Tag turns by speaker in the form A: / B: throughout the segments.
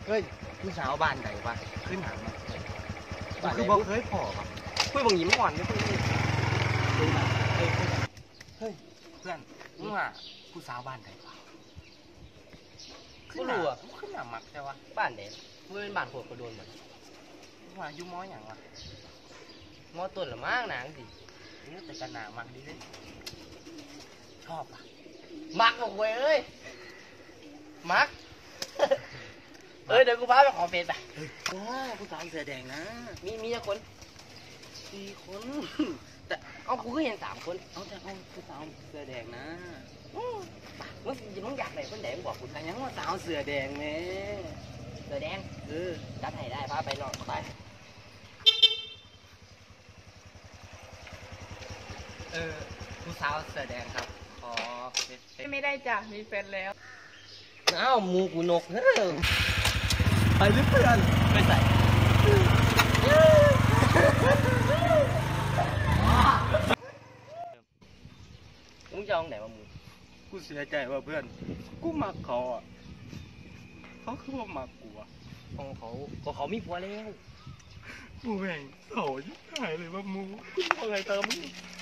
A: เฮ้ยผู้สาวบ้านใดวะขึ้นหางมาบ้านคือบ่เคยพอปะคุยบังยิ้มอ่อนไม่คุยเฮ้ยเพื่อนมึงว่าผู้สาวบ้านใดวะขึ้นหางขึ้นหางมักใช่วะบ้านเด็กมึงเป็นบ้านโคตรกระโดนเหมือนว่าอยู่ม้ออย่างวะม้อต้นละมากหนังสินี่แต่กันหนามักดีเลยชอบอ่ะมักบอกเว้ยเอ้ยมักเดี๋ยวกูพาไปขอเฟซไปผู้สาวเสื้อแดงนะมีกี่คน4 คนแต่เอากูก็เห็น3 คนเอาแต่เอาผู้สาวเสื้อแดงนะมึงอยากไหนคนแดงบอกกูแต่ยังว่าสาวเสื้อแดงแม่เสื้อแดงจัดให้ได้พาไปนอนไปผู้สาวเสื้อแดงครับขอ
B: ไม่ได้จ้ะมีแฟนแล้ว
A: อ้าวมูกูนกไปหรือเพื่อนไปใส่มึงจะเอาไหนมามูกูเสียใจว่าเพื่อนกูมักเขาอ่ะเขาคือว่ามักกูอ่ะของเขาก็เขามีผัวแล้วกูแม่งเขายิ่งหายเลยว่ามูกูเอาไงตามมึง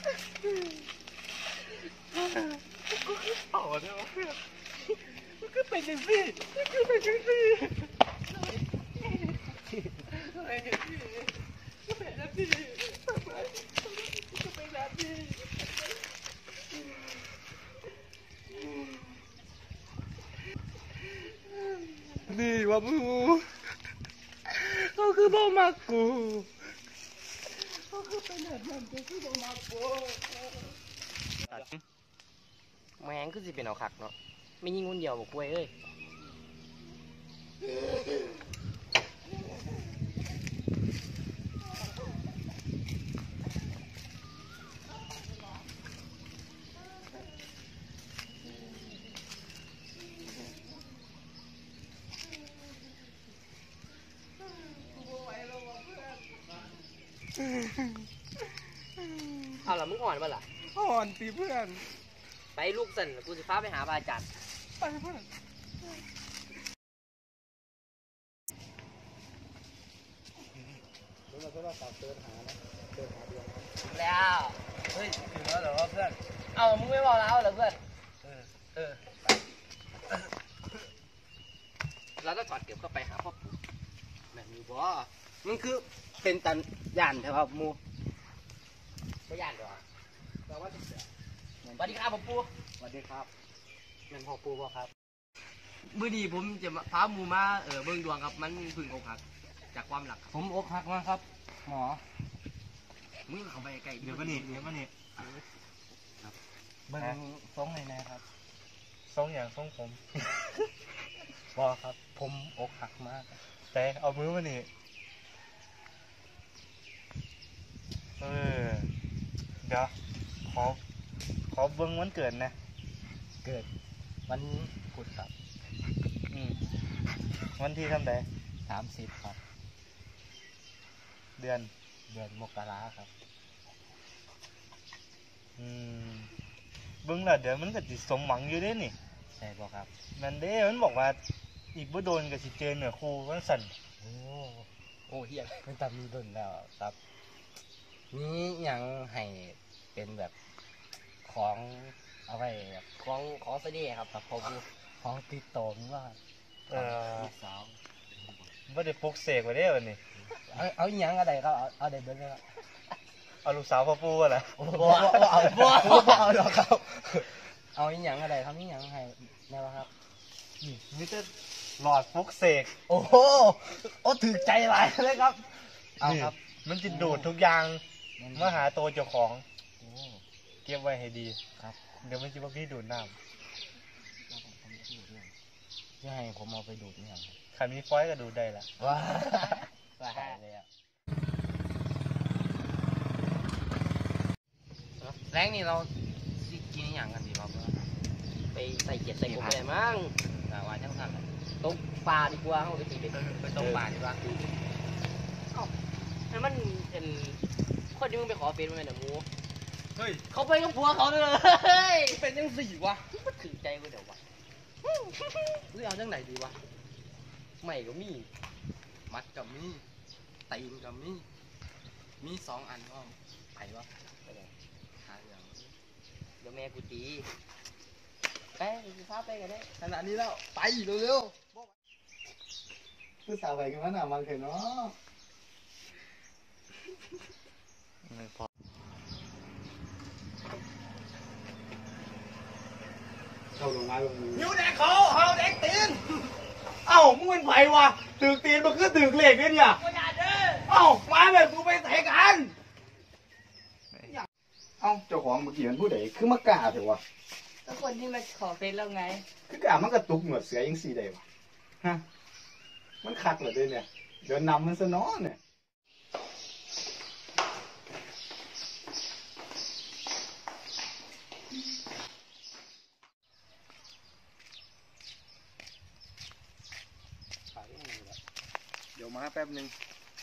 A: กูคือเผาเนี่ยวะเพื่อนมันก็เป็นจังสิมันก็เป็นจังสิอะไรอย่างนี้ก็เป็นจังสิทำไมก็เป็นจังสินี่ว่ามูเขาคือบ่มักกูเขาคือเป็นแบบนั้นก็คือบ่มักกูแม่งคือสิเป็นเอาคักเนาะไม่ยิงคนเดียวบอกกล้วยเอ้ยเอาล่ะมึงอ่อนป่ะล่ะอ่อนสิเพื่อนไปลูกสันกูจะพาไปหาอาจารย์ไปเพื่อนมึงมาเพื่อนฝากเตือนหานะเตือนหาดวงแล้วเฮ้ยถึงแล้วเหรอเพื่อนเอามึงไม่บอกแล้วเหรอเพื่อนเราต้องถอดเก็บเข้าไปหาพ่อปู่แบบนี้บ่มันคือเป็นตันย่านใช่ป่ะมูไม่ย่านหรอแต่ว่าจะเสือสวัสดีครับพ่อปู่สวัสดีครับเป็นพ่อปู่ป่ะครับมื้อนี้ผมจะพาหมูมาเบิ่งดวงครับมันพึ่งอกหักจากความหลักผมอกหักมาครับหมอมึงเข้าไปใกล้เดี๋ยวมานี่ครับเบิ่งทรงไหนนะครับทรงอย่างทรงผมบอกครับผมอกหักมากแต่เอามือมานี่เดี๋ยวขอเบิ่งวันเกิดนะเกิดวันพุธครับวันที่เท่าไหร่30ครับเดือนมกราครับเบิ่งแล้วเดี๋ยวมันก็สิสมหวังอยู่เด้นี่ใช่ป่ะครับนั่นเด้มันบอกว่าอีกบ่โดนกับสิเจนเหนือครูวันสั่นโอ้เฮียมันตามมีโดนแล้วครับนี่ยังให้เป็นแบบของเอาไว้แบบของเสน่ห์ครับครับของติดต่อนี่ว่าลูกสาวไม่ได้ปลุกเสกไว้ได้วันนี้เอาอีหยังอะไรก็เอาเด็ดเบิ้ลเลยครับเอาลูกสาวพ่อปู่อะไรบ่เอาหรอกครับเอาอีหยังอะไรทำอีหยังให้แน่วะครับนี่มิเตอร์หลอดปลุกเสกโอ้โหถือใจหลายเลยครับเอาครับมันจะดูดทุกอย่างมาหาตัวเจ้าของเก็บไว้ให้ดีครับเดี๋ยวไม่คิดว่าพี่ดูดน้ำจะให้ผมเอาไปดูดเนี่ยขันมีฟอยก็ดูดได้ละว้าเลยอ่ะแรงนี่เรากินอย่างกันดีป่ะไปใส่เจ็ดใส่ผมเลยมั้งแต่ว่าช่างสั่นตกปลาดีกว่าเขาไปตีไปตกปลาดีกว่านั่นมันเป็นคนที่มึงไปขอเฟซมันเป็นหมูเฮ้ยเขาไปกับผัวเขาเลยเป็นยังสี่วะมันถือใจกูเดี๋ยววะหรือเอาจังไหนดีวะ
C: ไม่ก็มีมัดกับมีตีนกับมี2 อันก็ไปวะไปเลยหาอย่างเดี๋ยวแม่กูตีไปกูพาไปกันได้ขนาดนี้แล้วไปเร็วๆคือสาวไปกันมันมันเถอะเนาะเข้าลงมาลงมือนิ้วแดงเขาเฮาแดงตีนเอ้ามึงเป็นไผวะตึกตีนมันคือตึกเหล็กเนี่ยเอ้ามาแบบกูไปใส่กันเอ้าเจ้าของเมื่อกี้มันผู้ใดคือมากล้าเถอะวะ
B: ก็คนที่มาขอเฟซเราไง
C: คือกล้ามันกระตุกเหมือนเสือยังสีได้วะฮะมันคักเหรอด้วยเนี่ยเดินนำมันซะน้อเนี่ยเดี๋ยวมาแป๊บนึง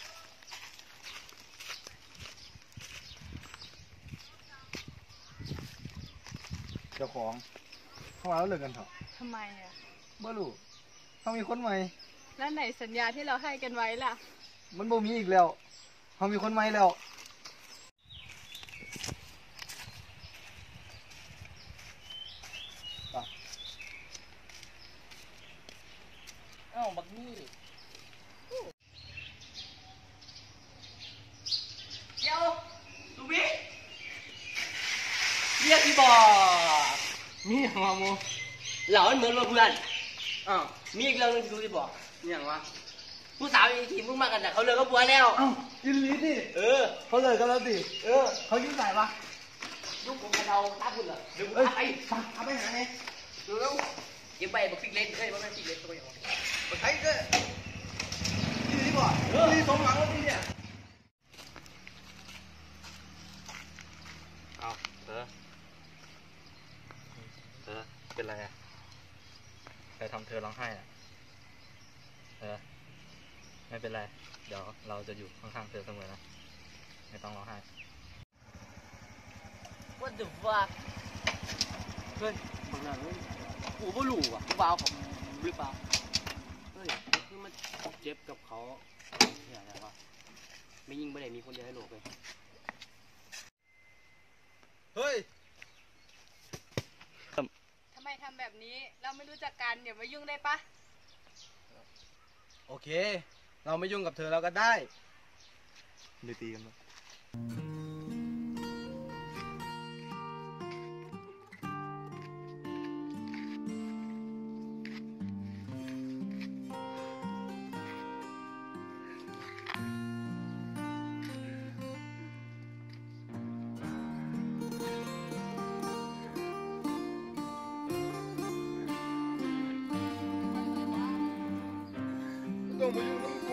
C: เจ้าของเขาเอาเลิกกันเถอะ
B: ทำไมอ่ะ
C: บ่รู้เขามีคนใหม่
B: แล้วไหนสัญญาที่เราให้กันไว้ล่ะ
C: มันบ่มีอีกแล้วเขามีคนใหม่แล้วเอ้าบักนี่เดี๋ยวลูกพี่เรียกพี่บอกมีอย่างวะโมเหล่ามันเหมือนว่าเพื่อนอ้าวมีอีกเรื่องนึงที่รู้ที่บอกมีอย่างวะผู้สาวอีกทีมึงมากันแต่เขาเลิกกับผัวแล้วอ้าวยินดีดิเขาเลิกกันแล้วดิเขายุ่งไหนวะลูกผมกับเราตาพุ่นเหรอเดี๋ยวกูไปเอาไปหาไงเร็วเก็บไปบอกฟิกเล่นเฮ้ยบอกไม่ฟิกเล่นตัวอย่างบอกใช้ก็ยินดีบ่ดีสมหวังแล้วดีเนี่ย
A: เอาเธอเป็นไรอ่ะใครทำเธอร้องไห้อ่ะไม่เป็นไรเดี๋ยวเราจะอยู่ข้างๆเธอเสมอนะไม่ต้องร้องไห้
C: What the fuck เฮ้ยบางอย่างกูไม่รู้ว่ะกูเบาของหรือเปล่าเฮ้ยคือมันเจ็บกับเขาเนี่ยอะไรวะไม่ยิงไม่ได้มีคนเดียวให้โลกเลยเฮ้ย
B: ทำไมทำแบบนี้ เราไม่รู้จักกันเดี๋ยวมายุ่งได้ปะ
C: โอเคเราไม่ยุ่งกับเธอเราก็ได้
A: เลยตีกัน
C: ต้องมายุ่งกับกู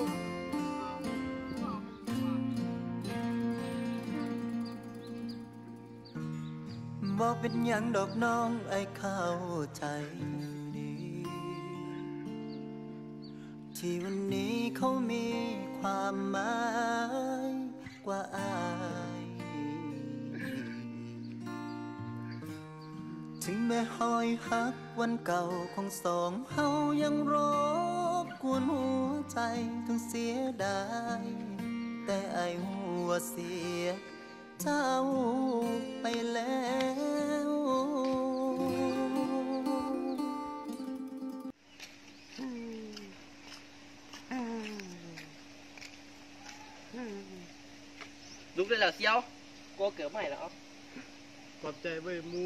D: บ่เป็นหยังดอกน้องไอ้เข้าใจดีที่วันนี้เขามีความหมายกว่าอายถึงแม้หอยหักวันเก่าของสองเฮายังรบกวนหัวใจทั้งเสียดายแต่ไอ้หัวเสียเจ้าไปแล้ว
C: ลุกได้แล้วเซียวกลัวเกิดใหม่แล้วครับ
A: ขอบใจเว้ยมู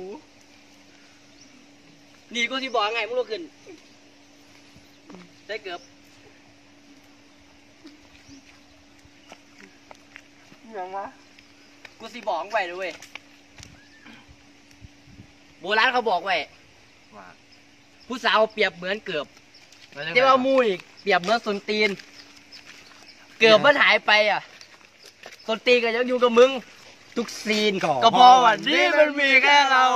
C: นี่กูสิบอกไงมึงลุกขึ้นได้เกือบยังวะกูสิบอกไว้ด้วยเวยโบราณเขาบอกไว้
A: ว่า
C: ผู้สาวเปรียบเหมือนเกือบแต่ว่ามูอีกเปรียบเหมือนส้นตีน เกือบมันหายไปอ่ะส้นตีนก็ยังอยู่กับมึงทุกซีนก็พอวันนี้มันมีแค่เรา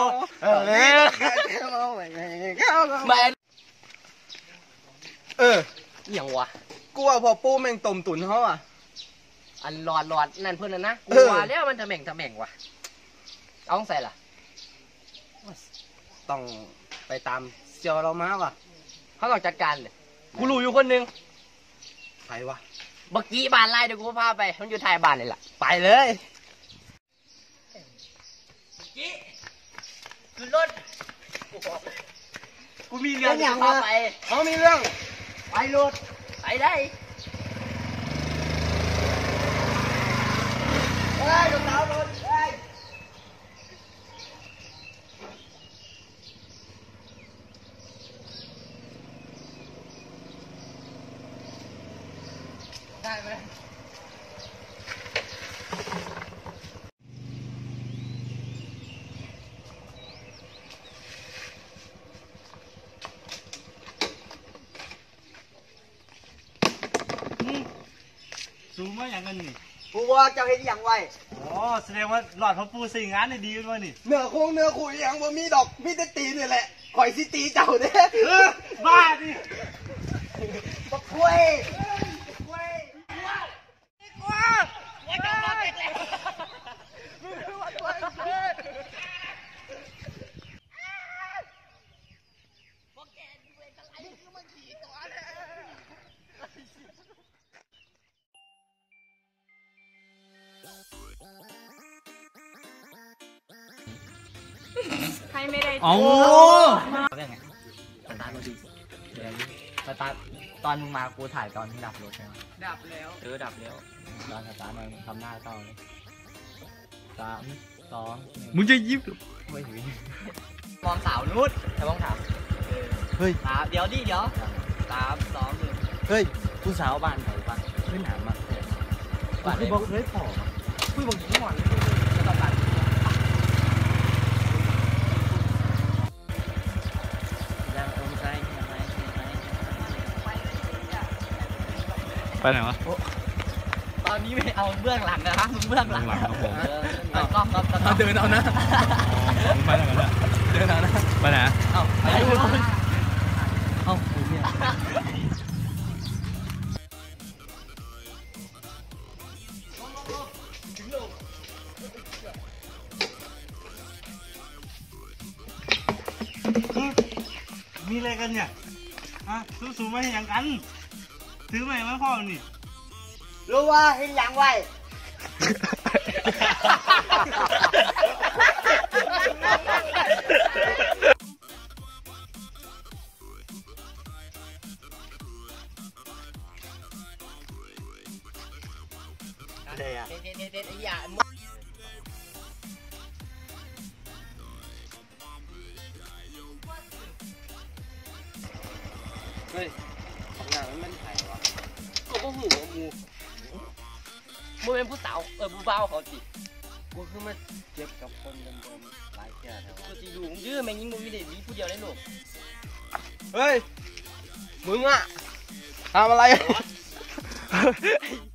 C: อย่างวะ
E: กูว่าพอปูแม่งต้มตุ๋นเขาอ่ะ
C: อันหลอดนั่นเพื่อนนะกูว่าแล้วมันทำแม่งว่ะเอาใส่ล่ะ
E: ต้องไปตามเซียวเรามาว่ะ
C: เขาต้องจัดการเลยกูรู้อยู่คนหนึง
E: ใครวะ
C: บักกี้บ้านไร่เดี๋ยวกูพาไปมันอยู่ท้ายบ้านเลยล่ะไปเลย กี้ขึ้นรถกูมีเรื่องจะพาไป
E: เขามีเรื่อง
C: ไปรถไปได้
E: เฮ้ยรถดาวรถเฮ้ย
C: ได้ไหม
A: สูงมาอย่างกันนี่
E: กูว่าเจ้าเห็นอย่างไว
A: อ๋อแสดงว่าหลอดพ่อปูสิ่งงานได้ดีด้วยนี่
E: เนื้อโคงเนื้อขุยอย่างบ่มีดอก มีแต่ตีนี่แหละข่อยสิตีเจ้าเด้
A: บ้าดิ
E: บักคุย
B: ใครไม่ได้
A: เอา
C: เรื่องไงสตาร์ทรถดีเดี๋ยวสตาร์ทตอนมึงมากูถ่ายตอนที่ดับรถใช่ไหม
B: ดับแล้ว
C: ดับแล้วตอนสตาร์ทมันทำหน้าเศร้าเลย3 2
A: มึงจะยิ้ม
C: ไม่ถึงมองสาวนุชแต่มองถาม
A: เฮ้ย
C: เดี๋ยวดิเดี๋ยว3 2 1
A: เฮ้ย
C: ผู้สาวบ้านไหนบ้านขึ้นหามาบ้านไหน
A: บอกเฮ้ยผอม
C: คุยบอกถึงหมอนแล้วก็บ้านยังอมใจยังไง
A: ไปไหนวะ
C: ตอนนี้ไม่เอาเบื้องหลังนะครับมึงเบื้องหลัง
A: เบื้องหลังครับผม
C: กล้องครับ
E: เดินเอานะ
A: มึงไปไหนกันเนี่ย
E: เดินเอานะ
A: ไปไหน
C: เอาไปดูเอากูเนี่ย
A: มีอะไรกันเนี่ยฮะสูงๆมาให้อย่างกันซื้อใหม่มาพ่อนี่
E: รู้ว่าเห็นอย่างไว
A: อะไรอ่ะ
C: เด็ดไอ้ยา
E: เฮ้ยของหนังมันไผ่วะ
C: ก็บ่หูว่ามูเป็นผู้สาวผู้บ่าวเขาสิ
E: กูคือมาเจ็บกับคนเดิมๆหลายแก่แล้ว
C: ก็สิดูยื้อแม่งยิงมึงมีเด็กมีผู้เดียวได้ลูก
E: เฮ้ย มึงอะทำอะไร